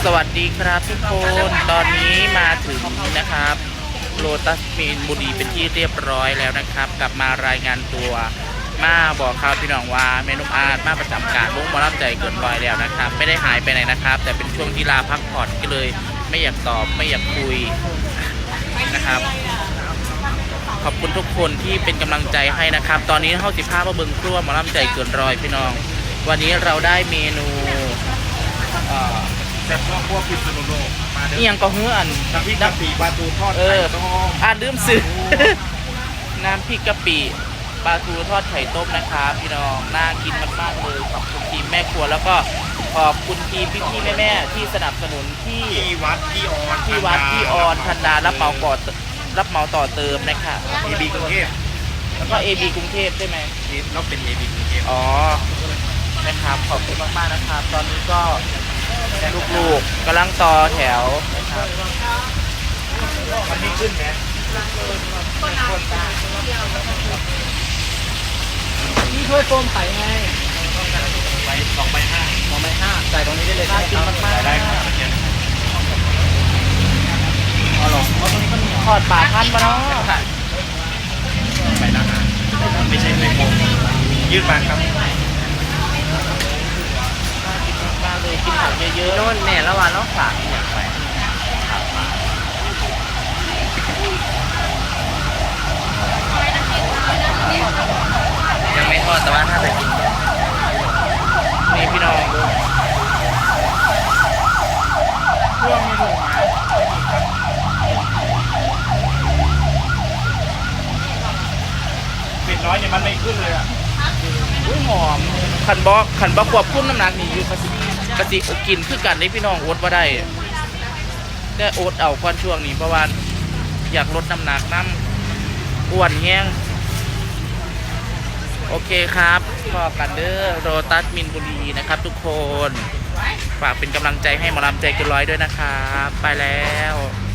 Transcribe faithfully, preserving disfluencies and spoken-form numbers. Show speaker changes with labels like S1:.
S1: สวัสดีครับทุกคนตอนนี้มาถึงนะครับโลตัสมีนบุรีเป็นที่เรียบร้อยแล้วนะครับกลับมารายงานตัวมาบอกข่าวพี่น้องว่าเมนุอาร์ตมาประจำการวงหมอลำใจเกินร้อยแล้วนะครับไม่ได้หายไปไหนนะครับ แต่เป็นช่วงที่ลาพักผ่อนก็เลยไม่อยากตอบไม่อยากคุยนะครับขอบคุณทุกคนที่เป็นกำลังใจให้นะครับ ตอนนี้เข้าสิบห้ามาเบิ้งครัวหมอลำใจเกินร้อยพี่น้องวันนี้เราได้เมนู
S2: แต่พวกพวกพิษณุโลกมาเด้
S1: นี่ยังก็เฮืออัน
S2: น้ำพริกกะปิปลาทูทอด
S1: เอ
S2: ไข่
S1: อ
S2: ต้ม
S1: อ่าลืมซื้อ น้ำพริกกะปิปลาทูทอดไข่ต้มนะครับพี่น้องน่ากินมากๆเลยขอบคุณทีมแม่ครัวแล้วก็ขอบคุณทีมพี่ๆแม่ๆที่สนับสนุนที่
S2: ที่วัดที่ออน
S1: ที่วัดที่ออนพันดารับเหมาก่อรับเหมาต่อเติมนะคะ
S2: เอบีกรุงเทพ
S1: แล้วก็ เอ บี กรุงเทพใช่ไหม
S2: นี่เราเป็นเอบีกรุงเทพ
S1: อ๋อนะครับขอบคุณมากๆนะครับ ตอนนี้ก็ลูกๆกำลังต่อแถวนะครับ
S2: มันมีขึ้นไหม
S1: นี่ถ้วยโฟมใส่ไง
S2: ไปสองใบห้า
S1: สองใบห้าใส่ตรงนี้ได้เลยน่ากินมากๆ
S2: ได้ครับเมื่อกี้
S1: อ๋อเหรอเพราะตรงนี้ก็มีทอดปลาทันปะเนาะ
S2: ไปนะฮะไม่ใช่ไม่โกงยืดมาครับ
S1: มาเลยกินผักเยอะๆโน่นแม่ละวันน้องฝากอยากไปยังไม่ทอดแต่ว่าถ้าจะกินนี่พี่น้องดูเครื่องมีถุงมา
S2: เป็ดน้อยเนี่ยมันไม่ขึ้นเลยอ่ะ
S1: อุ้ยหอมขันบอกขันบอกควบคุมน้ำหนักนี่อยู่กะสิกะสิกินคือกันได้พี่น้องอดว่าได้ได้อดเอาควันช่วงนี้เพราะว่าอยากลดน้ำหนักน้ำอ้วนแห้งโอเคครับพอกันเด้อโรตัสมินบุรีนะครับทุกคนฝากเป็นกำลังใจให้หมอลำใจเกินร้อยด้วยนะครับไปแล้ว